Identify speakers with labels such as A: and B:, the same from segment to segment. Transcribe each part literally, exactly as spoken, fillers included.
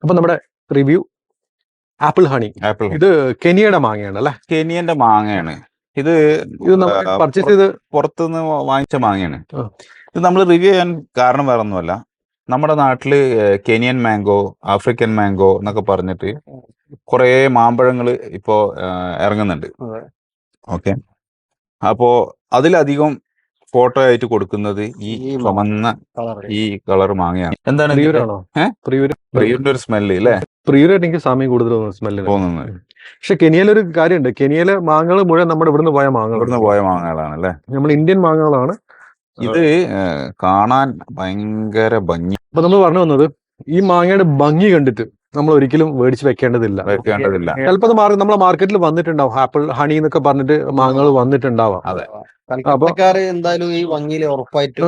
A: അപ്പൊ നമ്മുടെ review apple honey.
B: Apple
A: ഇത് കെനിയയുടെ മാങ്ങയാണ് അല്ലെ?
B: കെനിയന്റെ മാങ്ങയാണ് ഇത്.
A: ഇത് നമ്മൾ പർച്ചേസ് ചെയ്ത്
B: പുറത്തുനിന്ന് വാങ്ങിച്ച മാങ്ങയാണ്.
A: ആ.
B: ഇത് നമ്മൾ റിവ്യൂ ചെയ്യാൻ കാരണം വേറെ ഒന്നുമല്ല, നമ്മുടെ നാട്ടില് കെനിയൻ മാംഗോ, ആഫ്രിക്കൻ മാംഗോ എന്നൊക്കെ പറഞ്ഞിട്ട് കുറേ മാമ്പഴങ്ങൾ ഇപ്പോ ഇറങ്ങുന്നുണ്ട്. ഓക്കെ, അപ്പോ അതിലധികം ഫോട്ടോ ആയിട്ട് കൊടുക്കുന്നത് ഈ ചുമന്ന ഈ കളർ മാങ്ങയാണ്. എന്താണ്
A: പ്രിയൂരാണോ?
B: പ്രിയൂരിന്റെ ഒരു സ്മെല്ല് അല്ലേ?
A: പ്രിയൂരായിട്ട് എനിക്ക് സമയം കൂടുതൽ സ്മെല്ല്
B: തോന്നുന്നത്.
A: പക്ഷെ കെനിയയിലൊരു കാര്യമുണ്ട്, കെനിയയിലെ മാങ്ങകൾ മുഴുവൻ നമ്മുടെ ഇവിടുന്ന് പോയ മാങ്ങകൾ,
B: ഇവിടുന്ന് പോയ മാങ്ങകളാണ് അല്ലേ?
A: നമ്മൾ ഇന്ത്യൻ മാങ്ങകളാണ്.
B: ഇത് കാണാൻ ഭയങ്കര ഭംഗി.
A: അപ്പൊ നമ്മൾ പറഞ്ഞു വന്നത് ഈ മാങ്ങയുടെ ഭംഗി കണ്ടിട്ട് നമ്മൾ ഒരിക്കലും മേടിച്ച് വെക്കേണ്ടതില്ല
B: വെക്കേണ്ടതില്ല
A: ചിലപ്പോൾ അത് മാറി നമ്മളെ മാർക്കറ്റിൽ വന്നിട്ടുണ്ടാവും, ആപ്പിൾ ഹണി എന്നൊക്കെ പറഞ്ഞിട്ട് മാങ്ങകൾ വന്നിട്ടുണ്ടാവാം.
B: അതെ,
C: എന്തായാലും ഈ ഭംഗിയിൽ ഉറപ്പായിട്ടും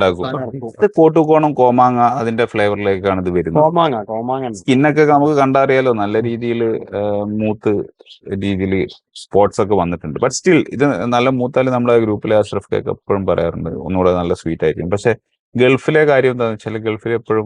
B: ഇത് കോട്ടുകോണം കോമാങ്ങ അതിന്റെ ഫ്ലേവറിലേക്കാണ് ഇത് വരുന്നത്.
C: കോമാങ്ങ കോമാങ്ങ
B: സ്കിന്നൊക്കെ നമുക്ക് കണ്ടറിയാലോ, നല്ല രീതിയിൽ മൂത്ത് രീതിയിൽ സ്പോട്സ് ഒക്കെ വന്നിട്ടുണ്ട്. ബട്ട് സ്റ്റിൽ ഇത് നല്ല മൂത്താല് നമ്മുടെ ഗ്രൂപ്പിലെ അഷ്റഫ് കേക്ക് എപ്പോഴും പറയാറുണ്ട് ഒന്നുകൂടെ നല്ല സ്വീറ്റ് ആയിരിക്കും. പക്ഷെ ഗൾഫിലെ കാര്യം എന്താണെന്ന് വെച്ചാൽ ഗൾഫിൽ എപ്പോഴും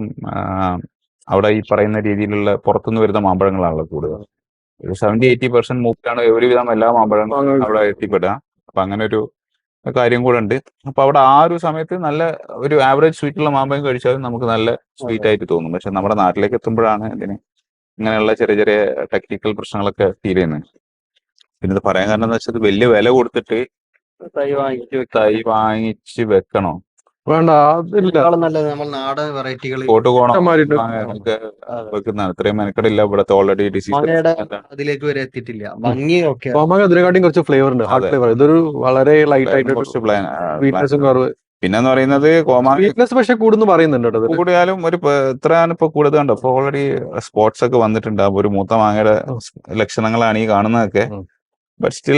B: അവിടെ ഈ പറയുന്ന രീതിയിലുള്ള പുറത്തുനിന്ന് വരുന്ന മാമ്പഴങ്ങളാണല്ലോ കൂടുതൽ. ഒരു സെവന്റി എയ്റ്റി പെർസെന്റ് മൂപ്പിലാണ് ഒരുവിധം എല്ലാ മാമ്പഴങ്ങളും അവിടെ എത്തിപ്പെടുക. അപ്പൊ അങ്ങനെ ഒരു കാര്യം കൂടെ ഉണ്ട്. അപ്പൊ അവിടെ ആ ഒരു സമയത്ത് നല്ല ഒരു ആവറേജ് സ്വീറ്റുള്ള മാമ്പഴം കഴിച്ചാലും നമുക്ക് നല്ല സ്വീറ്റ് ആയിട്ട് തോന്നും. പക്ഷെ നമ്മുടെ നാട്ടിലേക്ക് എത്തുമ്പോഴാണ് ഇതിന് ഇങ്ങനെയുള്ള ചെറിയ ചെറിയ ടെക്നിക്കൽ പ്രശ്നങ്ങളൊക്കെ ഫീൽ ചെയ്യുന്നത്. പിന്നെ ഇത് പറയാൻ കാരണം എന്താ വെച്ചാൽ വലിയ വില കൊടുത്തിട്ട്
C: തൈ വാങ്ങിച്ച്
B: തൈ വാങ്ങിച്ച് വെക്കണോ?
A: വേണ്ട, അതില്ല.
C: നല്ലത് നമ്മൾ നാടൻ വെറൈറ്റികൾ
B: കോട്ടുകോണം വെക്കുന്നതാണ്. ഇത്രയും മെനക്കെടില്ല ഇവിടുത്തെ ഓൾറെഡി ഡിസീസ്
C: അതിലേക്ക് വരെ എത്തിയിട്ടില്ല. ഭംഗി ഒക്കെ
A: കോമാങ്ങ അതിനെക്കാട്ടിയും കുറച്ച് ഫ്ലേവർ ഉണ്ട്, ഹാർഡ് ഫ്ലേവർ. ഇതൊരു വളരെ ലൈറ്റ് ആയിട്ട്
B: കുറച്ച് പ്ലാൻ
A: സ്വീറ്റ്നെസ്സും കുറവ്.
B: പിന്നെന്ന് പറയുന്നത് കോമാങ്ങ
A: സ്വീറ്റ്നെസ് പക്ഷെ കൂടുന്നു പറയുന്നുണ്ട്.
B: കൂടിയാലും ഒരു ഇത്രയാണ് ഇപ്പൊ കൂടുതലുണ്ട്. അപ്പൊ ഓൾറെഡി സ്പോട്സ് ഒക്കെ വന്നിട്ടുണ്ട്. അപ്പൊ ഒരു മൂത്ത മാങ്ങയുടെ ലക്ഷണങ്ങളാണ് ഈ കാണുന്നതൊക്കെ. ബട്ട് സ്റ്റിൽ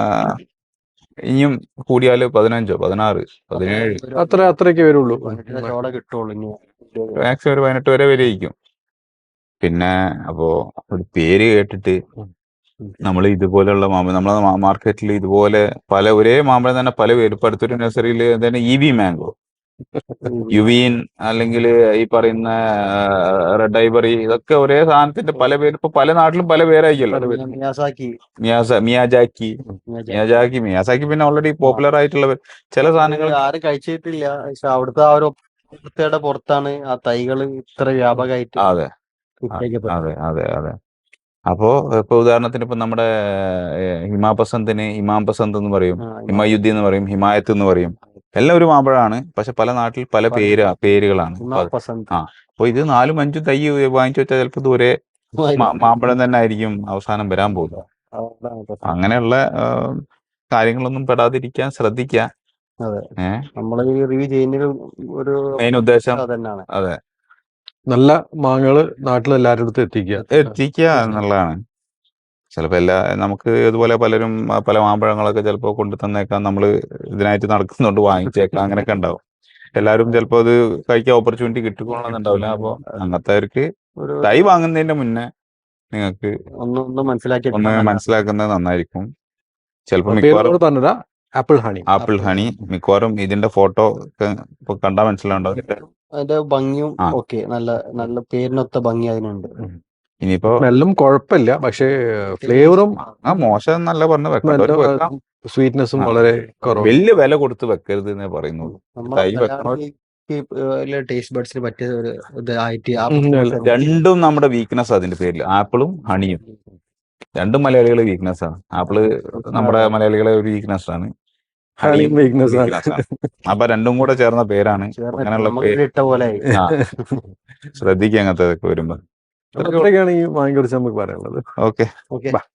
B: ഇനിയും കൂടിയാല് പതിനഞ്ചോ പതിനാറ് പതിനേഴ്
A: അത്ര അത്രയൊക്കെ വരുള്ളൂ,
C: കിട്ടുള്ളൂ.
B: മാക്സിമം ഒരു പതിനെട്ട് വരെ വരെയിരിക്കും. പിന്നെ അപ്പോ ഒരു പേര് കേട്ടിട്ട് നമ്മൾ ഇതുപോലെയുള്ള മാമ്പഴം നമ്മളെ മാർക്കറ്റിൽ ഇതുപോലെ പല ഒരേ മാമ്പഴം തന്നെ പല പേര്. ഇപ്പൊ അടുത്തൊരു നഴ്സറിയിൽ എന്താണ് ഇ വി മാംഗോ, യുവീൻ, അല്ലെങ്കിൽ ഈ പറയുന്ന റെഡ് ഐബറി, ഇതൊക്കെ ഒരേ സാധനത്തിന്റെ പല പേര്. ഇപ്പൊ പല നാട്ടിലും പല പേരായിരിക്കല്ലോ.
C: മിയാസാക്കി
B: മിയാജാക്കി മിയാജാക്കി മിയാസാക്കി പിന്നെ ഓൾറെഡി പോപ്പുലർ ആയിട്ടുള്ള ചില സാധനങ്ങൾ
C: ആരും കഴിച്ചിട്ടില്ല. പക്ഷെ അവിടുത്തെ ആ ഒരു പുറത്താണ് ആ തൈകള് ഇത്ര വ്യാപകമായിട്ട്.
B: അതെ അതെ അതെ അതെ അപ്പോ ഇപ്പൊ ഉദാഹരണത്തിന് ഇപ്പൊ നമ്മുടെ ഹിമാ പസന്തിന് ഇമാം പസന്ത് എന്ന് പറയും, ഹിമയുദ്ധി എന്ന് പറയും, ഹിമായത്ത് എന്ന് പറയും. എല്ലാം ഒരു മാമ്പഴമാണ്, പക്ഷെ പല നാട്ടിൽ പല പേര് പേരുകളാണ്. ആ അപ്പൊ ഇത് നാലും അഞ്ചും തൈ വാങ്ങിച്ചു വെച്ചാൽ ചിലപ്പോൾ ഇത് ഒരേ മാമ്പഴം തന്നെ ആയിരിക്കും അവസാനം വരാൻ പോകുന്നത്. അങ്ങനെയുള്ള കാര്യങ്ങളൊന്നും പെടാതിരിക്കാൻ ശ്രദ്ധിക്കുക. ഏഹ്
C: നമ്മള് റിവ്യൂ ചെയ്യുന്ന ഒരു
B: മെയിൻ ഉദ്ദേശം അതെ,
A: നല്ല മാങ്ങകള് നാട്ടിൽ എല്ലാവരുടെ അടുത്ത് എത്തിക്കുക
B: എത്തിക്കുക എന്നുള്ളതാണ്. ചിലപ്പോൾ എല്ലാ നമുക്ക് ഇതുപോലെ പലരും പല മാമ്പഴങ്ങളൊക്കെ ചിലപ്പോൾ കൊണ്ടു തന്നേക്കാം, നമ്മൾ ഇതിനായിട്ട് നടക്കുന്നുണ്ട് വാങ്ങിച്ചേക്കാം, അങ്ങനെയൊക്കെ ഉണ്ടാവും. എല്ലാവരും ചിലപ്പോൾ അത് കഴിക്കാൻ ഓപ്പർച്യൂണിറ്റി കിട്ടിക്കൊള്ളണമെന്നുണ്ടാവില്ല. അപ്പോൾ അങ്ങനത്തെവർക്ക് തൈ വാങ്ങുന്നതിന്റെ മുന്നേ നിങ്ങൾക്ക്
C: ഒന്ന് മനസ്സിലാക്കി
B: ഒന്ന് മനസ്സിലാക്കുന്നത് നന്നായിരിക്കും. ചിലപ്പോൾ മിക്കവാറും
A: പറഞ്ഞതാ ആപ്പിൾ ഹണി
B: ആപ്പിൾ ഹണി മിക്കവാറും ഇതിന്റെ ഫോട്ടോ ഒക്കെ ഇപ്പൊ കണ്ടാൽ മനസ്സിലാവുണ്ടാവും.
C: അതിന്റെ ഭംഗിയും ഓക്കെ, നല്ല നല്ല പേരിനൊത്ത ഭംഗി അതിനുണ്ട്.
B: ഇനിയിപ്പോ
A: സ്മെല്ലും കുഴപ്പമില്ല, പക്ഷേ ഫ്ലേവറും
B: ആ മോശം എന്നല്ല പറഞ്ഞു വെക്കാം.
A: സ്വീറ്റ്നെസ്സും വളരെ കുറവ്.
B: വലിയ വില കൊടുത്ത് വെക്കരുത് എന്നേ പറയുന്നുള്ളൂ. തൈ വെക്കണോ
C: ടേസ്റ്റ് ബഡ്സിന് പറ്റിയ ഒരു ഇതായിട്ട്
B: രണ്ടും നമ്മുടെ വീക്ക്നെസ് അതിന്റെ പേരിൽ ആപ്പിളും ഹണിയും രണ്ടും മലയാളികളെ വീക്ക്നെസ് ആണ്. ആപ്പിള് നമ്മുടെ മലയാളികളെ ഒരു വീക്ക്നെസ് ആണ്, ഹണിയും വീക്ക്നെസ് ആണ്. അപ്പൊ രണ്ടും കൂടെ ചേർന്ന പേരാണ്. അങ്ങനെയുള്ള പേര് ശ്രദ്ധിക്കുക അങ്ങനത്തെ വരുമ്പോ.
A: അത്രയൊക്കെയാണ് ഈ വാങ്ങി കുറിച്ച് നമുക്ക് പറയാനുള്ളത്.
B: ഓക്കെ.